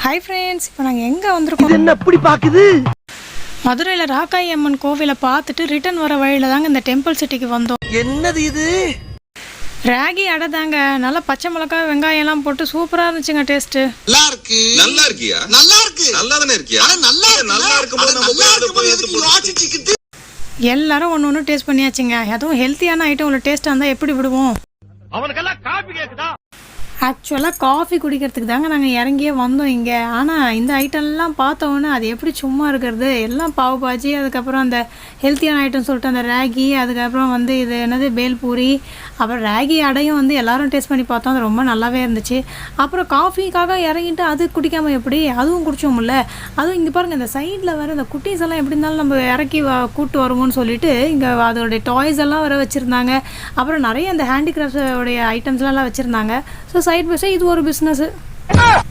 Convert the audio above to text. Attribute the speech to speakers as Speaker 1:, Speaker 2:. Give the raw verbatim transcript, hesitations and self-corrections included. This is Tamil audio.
Speaker 1: ஹாய் ஃப்ரெண்ட்ஸ், இப்போ நாங்கள் எங்கே வந்திருக்கோம்?
Speaker 2: என்ன எப்படி பார்க்குது?
Speaker 1: மதுரையில் ராக்காயி அம்மன் கோவிலை பார்த்துட்டு ரிட்டர்ன் வர வழியில் தாங்க இந்த டெம்பிள் சிட்டிக்கு வந்தோம்.
Speaker 2: என்னது இது?
Speaker 1: ராகி அடை தாங்க. நல்லா பச்சை மிளகாய் வெங்காயம் எல்லாம் போட்டு சூப்பராக இருந்துச்சுங்க டேஸ்ட்டு.
Speaker 3: நல்லா இருக்கு. நல்லா இருக்கியா? நல்லா இருக்கு. நல்லா தானே இருக்கியா? நல்லா நல்லா இருக்கும்போது நம்ம போய் அதை போய் எடுத்து யோசிச்சுக்கிட்டு
Speaker 1: எல்லாரும் ஒன்று ஒன்று டேஸ்ட் பண்ணியாச்சுங்க. அதுவும் ஹெல்த்தியான ஐட்டம் உள்ள டேஸ்ட்டாக இருந்தால் எப்படி விடுவோம்?
Speaker 2: அவனுக்கெல்லாம் காபி கேக்குதா?
Speaker 1: ஆக்சுவலாக காஃபி குடிக்கிறதுக்கு தாங்க நாங்கள் இறங்கியே வந்தோம் இங்கே. ஆனால் இந்த ஐட்டம்லாம் பார்த்தோன்னே அது எப்படி சும்மா இருக்கிறது, எல்லாம் பாவு பாஜி, அதுக்கப்புறம் அந்த ஹெல்த்தியான ஐட்டம் சொல்லிட்டு அந்த ராகி, அதுக்கப்புறம் வந்து இது என்னது பேல்பூரி, அப்புறம் ராகி அடையும் வந்து எல்லோரும் டேஸ்ட் பண்ணி பார்த்தோம். அது ரொம்ப நல்லாவே இருந்துச்சு. அப்புறம் காஃபிக்காக இறங்கிட்டு அது குடிக்காமல் எப்படி, அதுவும் குடிச்சோம்ல. அதுவும் இங்கே பாருங்கள், இந்த சைடில் வர இந்த குட்டீஸ் எல்லாம் எப்படி இருந்தாலும் நம்ம இறக்கி கூட்டு வருவோம்னு சொல்லிட்டு இங்கே அதோடைய டாய்ஸ் எல்லாம் வர வச்சுருந்தாங்க. அப்புறம் நிறைய அந்த ஹேண்டிகிராஃப்டோடைய ஐட்டம்ஸ்லாம் வச்சுருந்தாங்க. ஸோ சைட் பை சைட் இது ஒரு பிஸ்னஸ்.